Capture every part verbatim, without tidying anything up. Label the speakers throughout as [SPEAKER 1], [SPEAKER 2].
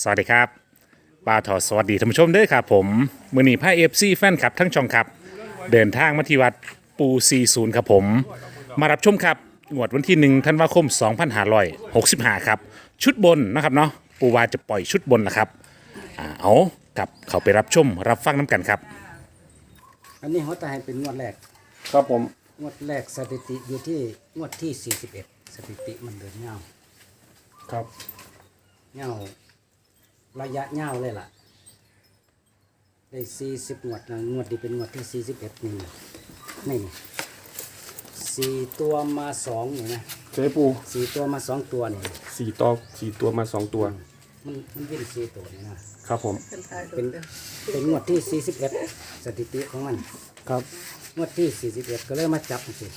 [SPEAKER 1] สวัสดีครับปาทอสวัสดีท่านผู้ชมด้วยครับผมมือหนีผ้าเอฟซีแฟนคลับทั้งช่องครับเดินทางมาที่วัดปูซีศูนย์ครับผมมารับชมครับงวดวันที่หนึ่งธันวาคมสองพันห้าร้อยหกสิบห้าครับชุดบนนะครับเนาะปูวาจะปล่อยชุดบนนะครับอ่าเอากับเขาไปรับชมรับฟังน้ำกันครับ
[SPEAKER 2] อันนี้เขาจะให้เป็นงวดแรก
[SPEAKER 1] ครับผม
[SPEAKER 2] งวดแรกสถิติอยู่ที่งวดที่สี่สิบเอ็ดสถิติมันเดินเงา
[SPEAKER 1] ครับ
[SPEAKER 2] เงาระยะเงาเลยล่ะ ได้สี่สิบงวดนะงวดนี้เป็นงวดที่สี่สิบเอ็ดนี่นี่สี่ตัวมาสองเห็นไหม
[SPEAKER 3] เจ๊ปู
[SPEAKER 2] สี่ตัวมาสองตัวนี่
[SPEAKER 3] สี่ตัวสี่ตัวมาสองตัว
[SPEAKER 2] มันมันวิ่งสี่ตัวนี่นะครับ
[SPEAKER 3] ผม
[SPEAKER 2] เป็นเป็นงวดที่สี่สิบเอ็ดสถิติของมัน
[SPEAKER 3] ครับ
[SPEAKER 2] งวดที่สี่สิบเอ็ดก็เลยมาจับสิ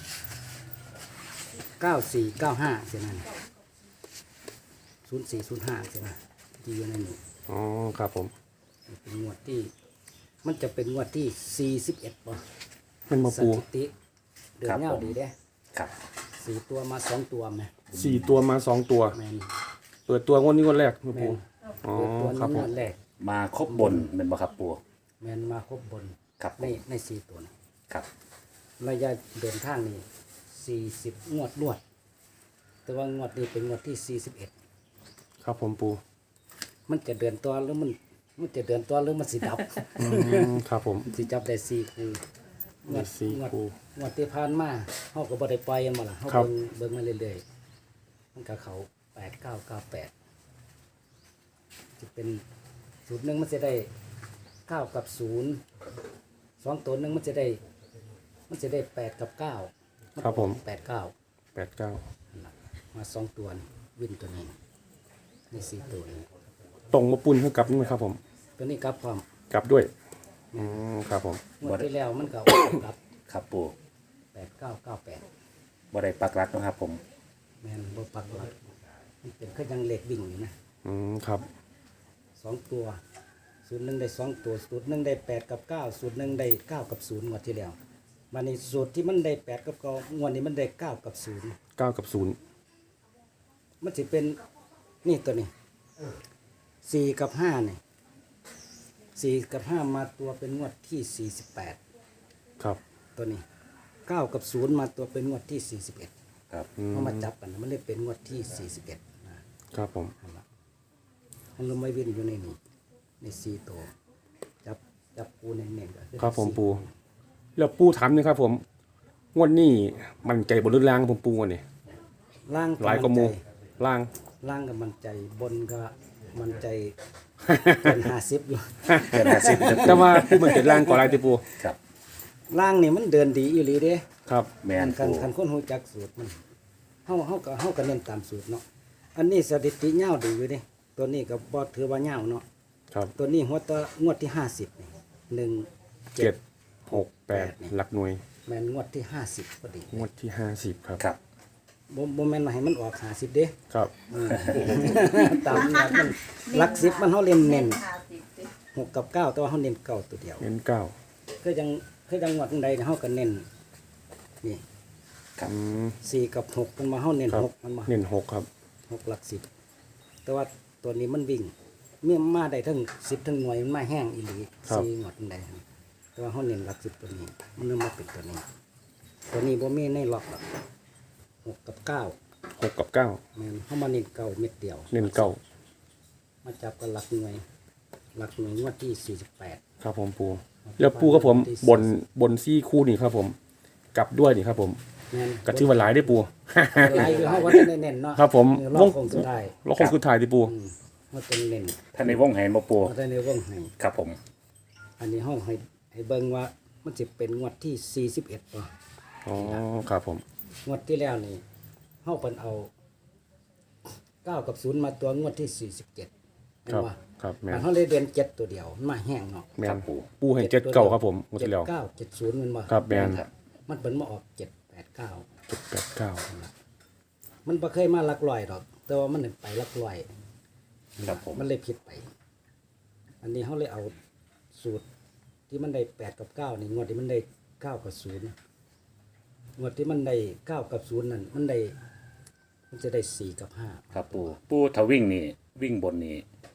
[SPEAKER 2] เก้าสี่เก้าห้าเสียนั่นศูนย์สี่ศูนย์ห้าเสียนะที่อยู่ในนี้
[SPEAKER 3] อ๋อครับผม
[SPEAKER 2] เป็นงวดที่ มันจะเป็นงวดที่สี่สิบเอ็ดป่ะ
[SPEAKER 3] เป็นมา
[SPEAKER 2] ส
[SPEAKER 3] ปู
[SPEAKER 2] ถิติเดือนเงาดีเด้
[SPEAKER 1] ครับ
[SPEAKER 2] สี่ตัวมาสองตัวไหม
[SPEAKER 3] สี่ตัวมาสองตัว
[SPEAKER 2] แมน
[SPEAKER 3] เปิดตัวงวดนี้งวดแรกมา
[SPEAKER 2] แม
[SPEAKER 3] ปู
[SPEAKER 2] น
[SPEAKER 3] อ๋อ
[SPEAKER 2] เปิดตัว
[SPEAKER 3] ครับ
[SPEAKER 2] นี้
[SPEAKER 3] ผ
[SPEAKER 2] ง
[SPEAKER 3] ม
[SPEAKER 2] วดแรก
[SPEAKER 1] มาครบบนเป็นบ่ครับปู
[SPEAKER 2] แมนมาครบบน
[SPEAKER 1] ครับ
[SPEAKER 2] ในในสี่ตัวนี้
[SPEAKER 1] ครับ
[SPEAKER 2] ระยะเดินทางนี่สี่สิบงวดรวด แต่ว่างวดนี้เป็นงวดที่สี่สิบเอ็ด
[SPEAKER 3] ครับผมปู
[SPEAKER 2] มันจะเดินตัวหรือมันมันจะเดินตัวหรือมันสิดับ
[SPEAKER 3] อืมครับผม
[SPEAKER 2] สิจับได้สี่คูง
[SPEAKER 3] ได้สี่
[SPEAKER 2] งวด
[SPEAKER 3] คู่
[SPEAKER 2] งวดที่ผ่านมาเขาก็บ่ได้ปล่อยกันมาล่ะเขา
[SPEAKER 3] ครับ
[SPEAKER 2] เบิ่งเบิ่งมาเรื่อยๆมันก็เขาแปดเก้าเก้าแปดจะเป็นสูตรหนึ่งมันจะได้เก้ากับศูนย์สองตัวหนึ่งมันจะได้ มันจะได้แปดกับเก้า
[SPEAKER 3] ครับผม
[SPEAKER 2] แปดเก้า
[SPEAKER 3] แปดเก้า
[SPEAKER 2] มาสองตัวนี่วินตัวนี้นี่สี่ตัวนี้
[SPEAKER 3] ตรงมาปุนเท่ากับนี่ไหมครับผม
[SPEAKER 2] ตัวนี้กลับความ
[SPEAKER 3] กลับด้วยอืมครับผม
[SPEAKER 2] งวดที่แล้วมันก็ กลับ
[SPEAKER 1] ครับปู
[SPEAKER 2] แปดเก้าเก้าแปด
[SPEAKER 1] บ่ได้ปักหลักนะครับผม
[SPEAKER 2] แมนบ่ปักหลักมันเป็นแค่ยังเหล็กวิ่งอยู่นะ
[SPEAKER 3] อืมครับ
[SPEAKER 2] สองตัวสูตรหนึ่งได้สองตัวสูตรหนึ่งได้แปดกับเก้าสูตรหนึ่งได้เก้ากับศูนย์งวดที่แล้วมาในสูตรที่มันได้แปดกับเก้างวดนี้มันได้เก้ากับศูนย์
[SPEAKER 3] เก้ากับศูนย์
[SPEAKER 2] มันจะเป็นนี่ตัวนี้สี่กับห้านี่สี่กับห้ามาตัวเป็นงวดที่สี่สิบแปด
[SPEAKER 3] ครับ
[SPEAKER 2] ตัวนี้เก้ากับศูนย์มาตัวเป็นงวดที่สี่สิบเอ็ด
[SPEAKER 1] ครับ
[SPEAKER 3] อืม
[SPEAKER 2] เขามาจับกันนะมันเลยเป็นงวดที่สี่สิบเอ็ดนะครับ
[SPEAKER 3] ผม
[SPEAKER 2] มันลงไม่วิ่งอยู่ในนี้ในสี่ตัวจับจับปูเน่นๆก็อ
[SPEAKER 3] ครับผม
[SPEAKER 2] สี่
[SPEAKER 3] ปูแล้วปูถามหนะครับผมงวดนี้มันใจบนรุ่นล่างผมปูวันนี้
[SPEAKER 2] ล่าง
[SPEAKER 3] หลายกว่าหมูล่าง
[SPEAKER 2] ล่างกับมันใจบนก็มันใจเป็นห้าสิบอยู่
[SPEAKER 1] เกินห้าสิบ
[SPEAKER 3] แต่ว่าปูมันเกิดล่างก่อนอะไรติปู
[SPEAKER 1] ครับ
[SPEAKER 2] ล่างนี่มันเดินดีอีหลีเด้
[SPEAKER 3] ครับ
[SPEAKER 1] แมน
[SPEAKER 2] คัน
[SPEAKER 1] ปู
[SPEAKER 2] คันคนหูจักสูตรมันเฮาเฮาก็เฮาก็เน้นตามสูตรเนาะอันนี้สถิติยาวดีอยู่เด้ตัวนี้ก็บ่ถือว่ายาวเนาะ
[SPEAKER 3] ครับ
[SPEAKER 2] ตัวนี้หัวตะงวดที่ห้าสิบนี่หนึ่งเจ็
[SPEAKER 3] เจ็
[SPEAKER 2] ด
[SPEAKER 3] ดหกแปดหลักหน่วย
[SPEAKER 2] แม่นงวดที่ห้าสิบพอดี
[SPEAKER 3] งวดที่ห้าสิบครับ
[SPEAKER 1] ครับ
[SPEAKER 2] บ่บ่แม่นว่าให้มันออกห้าสิบเด้
[SPEAKER 3] ครับ
[SPEAKER 2] ตามนัดมันหลักสิบมันเฮาเล่นเน้นหกกับเก้าแต่ว่าเฮาเน้นเก้าตัวเดียว
[SPEAKER 3] เน้นเก้า
[SPEAKER 2] คือจังคือจังหวัดใดเฮาก็เน้นนี่
[SPEAKER 1] ครับ
[SPEAKER 3] อืม
[SPEAKER 2] สี่กับหกมันมาเฮาเน้น
[SPEAKER 3] ครับ
[SPEAKER 2] หกมันมา
[SPEAKER 3] เน้นหกครับ
[SPEAKER 2] หกหลักสิบแต่ว่าตัวนี้มันวิ่งเมื่อมาได้ทั้งสิบทั้งหน่วยมันมาแห้งอีหลีสี่หมดใดแต่ว่าเฮาเน้นหลักสิบตัวนี้ มันเริ่มมาเป็นตัวนี้ ตัวนี้บ่มีในล็อกหรอกหกกับเก้า
[SPEAKER 3] หกกับเก้า
[SPEAKER 2] แม่นเฮามาเน้นเก้าเม็ดเดียว
[SPEAKER 3] เน้นเก้า
[SPEAKER 2] มาจับกันหลักหน่วย หลักหน่วยงวดที่สี่สิบแปด
[SPEAKER 3] ครับผมปูแล้วปูครับผมบนบนซี่คู่นี่ครับผมกลับด้วยนี่ครับผม
[SPEAKER 2] แม่น
[SPEAKER 3] กระชื่อว่าหลายได้อปู
[SPEAKER 2] หลายอยู่เฮาว่าเน้นๆเนาะ
[SPEAKER 3] ครับผม
[SPEAKER 2] เออรอบคงสุดท้าย
[SPEAKER 3] แล้วคงคือถ่ายที่ปู
[SPEAKER 2] อืมเฮาต้องเน้น
[SPEAKER 1] ท่านในวงแหนบ่ปู
[SPEAKER 2] เฮาได้ในวงให้
[SPEAKER 1] ครับผม
[SPEAKER 2] อันนี้เฮาให้ให้เบิ่งว่ามันสิเป็นงวดที่สี่สิบเอ็ดบ่
[SPEAKER 3] อ๋อครับผม
[SPEAKER 2] งวดที่แล้วนี่เฮาเพิ่นเอาเก้ากับศูนย์มาตัวงวดที่สี่สิบเจ็ด
[SPEAKER 3] ครับ
[SPEAKER 2] ว่า
[SPEAKER 3] ครับแม
[SPEAKER 2] มัน
[SPEAKER 3] น
[SPEAKER 2] เฮาเลยเดือนเจ็ดตัวเดียวมันมาแห้งเนาะ
[SPEAKER 3] แมนปูให้เจ็ดเก้าครับผมหมด
[SPEAKER 2] เจ็ด
[SPEAKER 3] แล้ว
[SPEAKER 2] เก้าเจ็ดศูนย์มันบ่
[SPEAKER 3] ครับแมน
[SPEAKER 2] มันเพิ่นมาออกเจ็ดแปดเก้า
[SPEAKER 3] เจ็ดแปดเก้า
[SPEAKER 2] มันบ่เคยมาหลักร้อยดอก แต่ว่ามันไปหลักร้อย
[SPEAKER 1] ครับผม
[SPEAKER 2] มันเลยผิดไป อันนี้เฮาเลยเอาสูตรที่มันได้แปดกับเก้านี่งวดที่มันได้เก้ากับศูนย์งวดที่มันได้เก้ากับศูนย์นั่นมันได้มันจะได้สี่กับห้า
[SPEAKER 1] ครับปูปูถ้าวิ่งนี่วิ่งบนนี่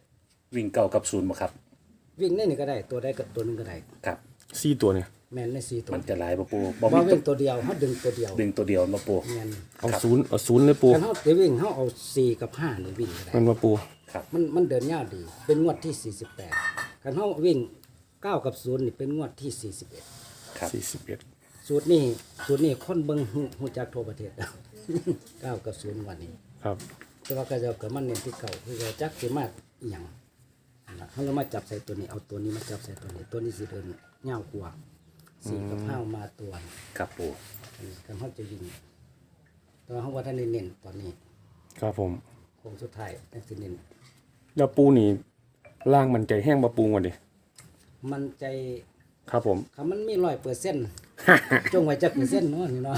[SPEAKER 1] วิ่งเก้ากับศูนย์บ่ครับ
[SPEAKER 2] วิ่งได้นี่ก็ได้ตัวใดกับตัวหนึงก็ได้
[SPEAKER 1] ครับ
[SPEAKER 3] สี่ตัวเนี่ย
[SPEAKER 2] แม่นในสี่ตัว
[SPEAKER 1] มันจะหลายบ่ปูบ่
[SPEAKER 2] บ่
[SPEAKER 1] มีตั
[SPEAKER 2] วิ่
[SPEAKER 1] ว
[SPEAKER 2] งตัวเดียวเฮาดึงตัวเดียว
[SPEAKER 1] ดึงตัวเดียวมาปู
[SPEAKER 2] แม่น
[SPEAKER 3] เอาศูนย์เอาศูนย์เลยปู
[SPEAKER 2] คันเฮาจะวิ่งเฮาเอาสี่กับห้านี่วิ่งก็ได้
[SPEAKER 3] มันมาปู
[SPEAKER 1] ครับ
[SPEAKER 2] มันมันเดินยาวดี เป็นงวดที่สี่สิบแปดคันเฮาวิ่งเก้ากับศูนย์นี่เป็นงวดที่สี่สิบเอ็ด
[SPEAKER 1] ครับ
[SPEAKER 3] สี่สิบเอ็ด
[SPEAKER 2] สูตรนี้สูตรนี้คนเบิ่งฮู้ฮู้จักทั่วประเทศ เก้ากับศูนย์วันนี้
[SPEAKER 3] ครับ
[SPEAKER 2] แต่ว่าก็จะเกิดมันเน้นที่เก่าคือจะจักสิมากอีหยังนั่นล่ะเขาเรามาจับใส่ตัวนี้เอาตัวนี้มาจับใส่ตัวนี้ตัวนี้สิเดินเงาวกว่าสี่กับห้ามาตัว
[SPEAKER 1] ครับปู
[SPEAKER 2] อันนี้กันเขาจะยิงแต่ว่าเขาว่าท่านได้เน้นตอนนี้
[SPEAKER 3] ครับผม
[SPEAKER 2] โค้งสุดท้ายนั่นสิเน้น
[SPEAKER 3] แล้วปูนี่ล่างมันใจแห้งมาปูก่อนดิ
[SPEAKER 2] มันใจ
[SPEAKER 3] ครับผม
[SPEAKER 2] คำมันมีร้อยเปอร์เซ็นต์จงไว้จักเปอร์เซ็นต์เนาะนี่เนาะ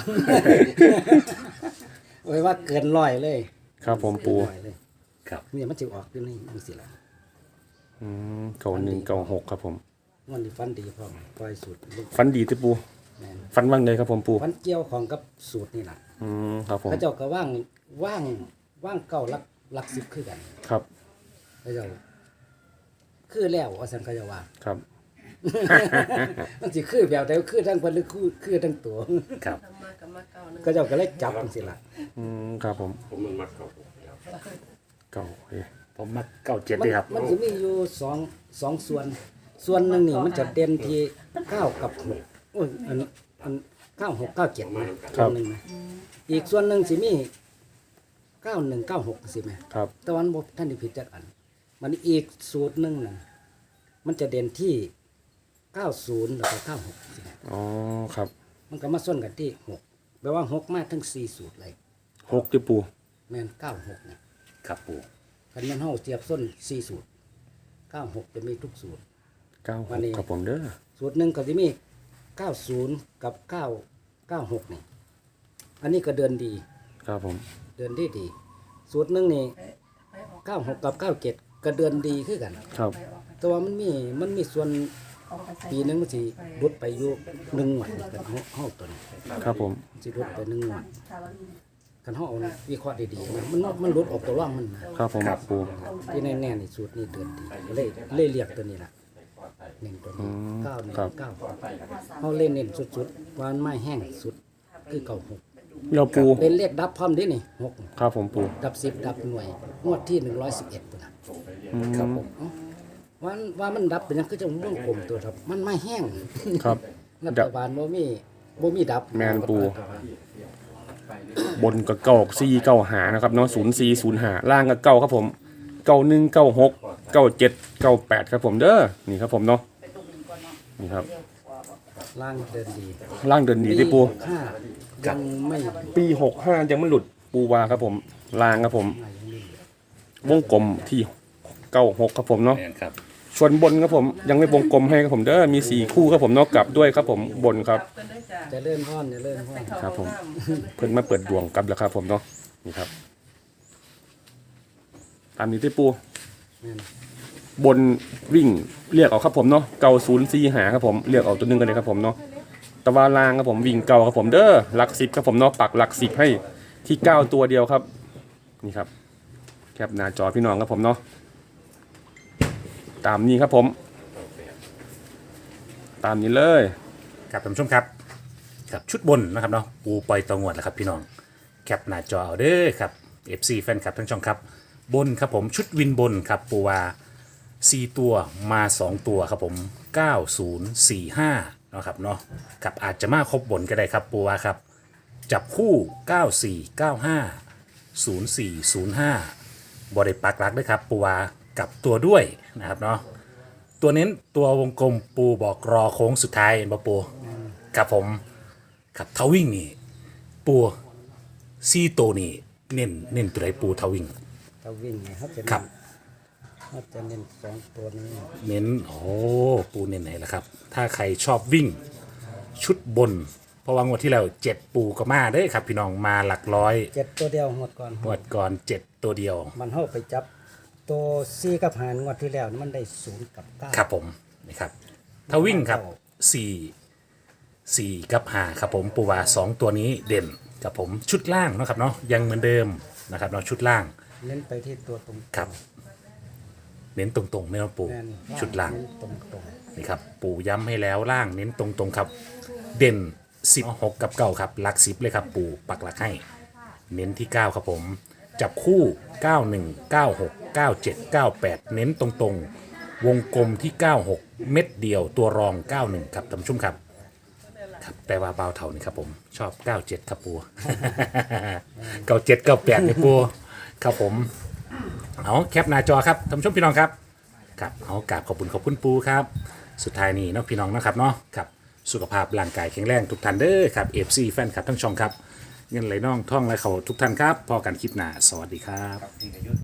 [SPEAKER 2] ไว้ว่าเกินร้อยเลย
[SPEAKER 3] ครับผมปู
[SPEAKER 2] ร้อยเลย
[SPEAKER 1] ครับ
[SPEAKER 2] เนี่ยมันจะออกอยู่ในนังสิละ
[SPEAKER 3] อืมเก่าหนึ่งเก่าหกครับผม
[SPEAKER 2] มันนี่ฟันดีพร้อมปล่อยสูตรลูก
[SPEAKER 3] ฟันดีที่ปู
[SPEAKER 2] แม่น
[SPEAKER 3] ฟันว่างเลยครับผมปู
[SPEAKER 2] ฟันเกี่ยวของกับสูตรนี่แหละ
[SPEAKER 3] อืมครับผม
[SPEAKER 2] เขาเจ้าก็ว่างว่างว่างเก่าลักลักสิบคือกัน
[SPEAKER 3] ครับ
[SPEAKER 2] เขาเจ้าคือแล้วว่าสันเขาเจะว่า
[SPEAKER 3] ครับ
[SPEAKER 2] มันสิคือแบบใดคือทั้งคนหรือคือคือทั้งตัว
[SPEAKER 1] ครับ
[SPEAKER 2] เขาเจ้าก็เลยจับจังซี่ล่ะ
[SPEAKER 3] อืมครับผมเก่าเอ้ย
[SPEAKER 1] ผมมาเก้าเจ็ด
[SPEAKER 2] มั
[SPEAKER 1] เลยครับ
[SPEAKER 2] มันสิมีอยู่สองสองส่วน ส่วนหนึ่งนี่มันจะเด่นที่เก้ากับหกโอ้ยอันอันเก้าหกเก้าเจ็ดนะส่วนหนึ่งนะอีกส่วนหนึ่งสิมีเก้าหนึ่งเก้าหกสิแม่
[SPEAKER 3] ครับ
[SPEAKER 2] แต่วันบท่านได้ผิดจักอัน มันอีกสูตรหนึ่งน่ะมันจะเด่นที่เก้าศูนย์แล้วก็เก้าหกสิแม่
[SPEAKER 3] อ๋อครับ
[SPEAKER 2] มันก็มาส้นกันที่หกแปลว่าหกมาทั้งสี่สูตรเลย
[SPEAKER 3] หกที่ปู
[SPEAKER 2] แม่นเก้าหกเนี่ย
[SPEAKER 1] ครับปู
[SPEAKER 2] คันมันเฮาเทียบส้นสี่สูตรเก้าหกจะมีทุกสูตร
[SPEAKER 3] เก้าห
[SPEAKER 2] วัน
[SPEAKER 3] ก
[SPEAKER 2] นี้
[SPEAKER 3] ครับผมเด้อ
[SPEAKER 2] สูตรหนึ่งก็จะมีเก้าศูนย์กับเก้าเก้าหกนี่อันนี้ก็เดินดี
[SPEAKER 3] ครับผม
[SPEAKER 2] เดินดีดีสูตรหนึ่งนี่เก้าหกกับเก้าเจ็ดก็เดินดีคือกัน
[SPEAKER 3] ครับ
[SPEAKER 2] แต่ว่ามันมีมันมีส่วนปีหนึงมันสิลดไปอยู่หนึ่งหวันกันเฮาตัวนี้
[SPEAKER 3] ครับผม
[SPEAKER 2] สิลดไปหนึ่งหวันคันเฮาเอาวิเคราะห์ดีๆนะมันมันลดออกตัวร่องมันนะครับ
[SPEAKER 3] ผมปู
[SPEAKER 2] ที่แน่ๆนี่สูตรนี้เดินดีเลยเลยเรียกตัวนี้ล่ะหนึ่งตัวนี้เก้าหนึ่งเก้าเฮาเล่นเน้นสุดๆว่ามันไม่แห้งสุดคือเก้าหก
[SPEAKER 3] แล้วปู
[SPEAKER 2] เป็นเลขดับพร้อมเดินี่หก
[SPEAKER 3] ครับผมปู
[SPEAKER 2] ดับสิบดับหน่วยงวดที่หนึ่งร้อยสิบเอ็ดปุ่นน่ะ
[SPEAKER 1] ครับผม
[SPEAKER 2] ว่าว่ามันดับเป็นหยังคือจังวงกลมตัวครับมันไม่แห้ง
[SPEAKER 3] ครับ
[SPEAKER 2] รัฐบาลบ่มีบ่มีดับ
[SPEAKER 3] แม่นปู บนกับเก้าสี่เก้าหานะครับเนาะศูนย์สี่ศูนย์หาล่างกับเก้าครับผมเก้าหนึ่งเก้าหกเก้าเจ็ดเก้าแปดครับผมเด้อนี่ครับผมเนาะนี่ครับ
[SPEAKER 2] ล่างเดินดี
[SPEAKER 3] ล่างเดินดีที่ปู
[SPEAKER 2] ห้ายังไม่
[SPEAKER 3] ปีหกห้ายังไม่หลุดปูวาครับผมล่างครับผม วงกลมที่เก้าหกครับผมเนาะ
[SPEAKER 1] แม่นครับ
[SPEAKER 3] ส่วนบนครับผมยังไม่วงกลมให้ครับผมเด้อมีสี่คู่ครับผมเนาะกลับด้วยครับผมบนครับ
[SPEAKER 2] จะเลื่อนห้อนจะเลื่อนห้อน
[SPEAKER 3] ครับผม เพิ่นมาเปิดดวงกลับแล้วครับผมเนาะนี่ครับตามนี้ที่ปู
[SPEAKER 2] แม่น
[SPEAKER 3] บนวิ่งเรียกเอาครับผมเนาะเก่าศูนย์สี่หาครับผมเรียกเอาตัวหนึงกันเลยครับผมเนาะตะวันลางครับผมวิ่งเก่าครับผมเด้อหลักสิบครับผมเนาะปักหลักสิบให้ที่เก้าตัวเดียวครับนี่ครับแคปหน้าจอพี่น้องครับผมเนาะตามนี้ครับผม ตามนี้เลย
[SPEAKER 1] ครับท่านผู้ชมครับครับชุดบนนะครับเนาะปูปล่อยตองวดแล้วครับพี่น้องแคปหน้าจอเอาเด้อครับ เอฟ ซี แฟนคลับทั้งช่องครับบนครับผมชุดวินบนครับปูว่าสี่ตัวมาสองตัวครับผมเก้าศูนย์สี่ห้าเนาะครับเนาะกับอาจจะมาครบบนก็ได้ครับปูว่าครับจับคู่เก้าสี่เก้าห้าศูนย์สี่ศูนย์ห้าบริปักหลักด้วยครับปูว่ากลับตัวด้วยนะครับเนาะตัวเน้นตัววงกลมปูบอกรอโค้งสุดท้ายเห็นปะปูครับผมครับทาวิ่งนี่ปูซี่โตวนี่เน้นเน้นตัวไหนปูทาวิ่ง
[SPEAKER 2] ถ้าวิ่งไงครับจะ
[SPEAKER 1] ครับ
[SPEAKER 2] เขาจะเน้นสองตัวนี้
[SPEAKER 1] เน้นโอ้ปูเน้นไหนล่ะครับ ถ้าใครชอบวิ่งชุดบน เพราะว่างวดที่แล้วเจ็ดปูก็มาเด้อครับ พี่น้องมาหลักร้อย
[SPEAKER 2] เจ็ดตัวเดียวหมดก่อน
[SPEAKER 1] งวดก่อนเจ็ดตัวเดียว
[SPEAKER 2] มันเข้าไปจับตัวสี่กับหารงวดที่แล้วนี่มันได้ศูนย์กับเก้า
[SPEAKER 1] ครับผมนี่ครับ ถ้าวิ่งครับสี่สี่กับห้าครับผมปูว่าสองตัวนี้เด่นกับผมชุดล่างเนาะครับเนาะยังเหมือนเดิมนะครับเนาะชุดล่าง
[SPEAKER 2] เน้นไปที่ตัวตรง
[SPEAKER 1] ครับเน้นตรงๆไม่ต้องปู
[SPEAKER 2] แม่น
[SPEAKER 1] ชุดล่าง
[SPEAKER 2] ตรงตรง
[SPEAKER 1] นี่ครับปูย้ำให้แล้วล่างเน้นตรงๆครับ เด่นสิบหกกับเก้าครับหลักสิบเลยครับปูปักหลักให้ เน้นที่เก้าครับผม จับคู่เก้าหนึ่ง เก้าหก เก้าเจ็ด เก้าแปดเน้นตรงๆ วงกลมที่เก้าหกเม็ดเดียวตัวรองเก้าหนึ่งครับท่านผู้ชมครับครับแต่ว่าเบาเท่านี่ครับผมชอบเก้าเจ็ดครับปู เก้าเจ็ด เก้าแปดเนี่ยปูครับผมเอาแคปหน้าจอครับท่านผู้ชมพี่น้องครับครับเอากราบขอบคุณขอบคุณปูครับสุดท้ายนี้เนาะพี่น้องนะครับเนาะครับสุขภาพร่างกายแข็งแรงทุกท่านเด้อครับ เอฟ ซี แฟนคลับทั้งช่องครับเงินไหลน่องท่องไหลเขาทุกท่านครับพอกันคลิปหน้าสวัสดีครับ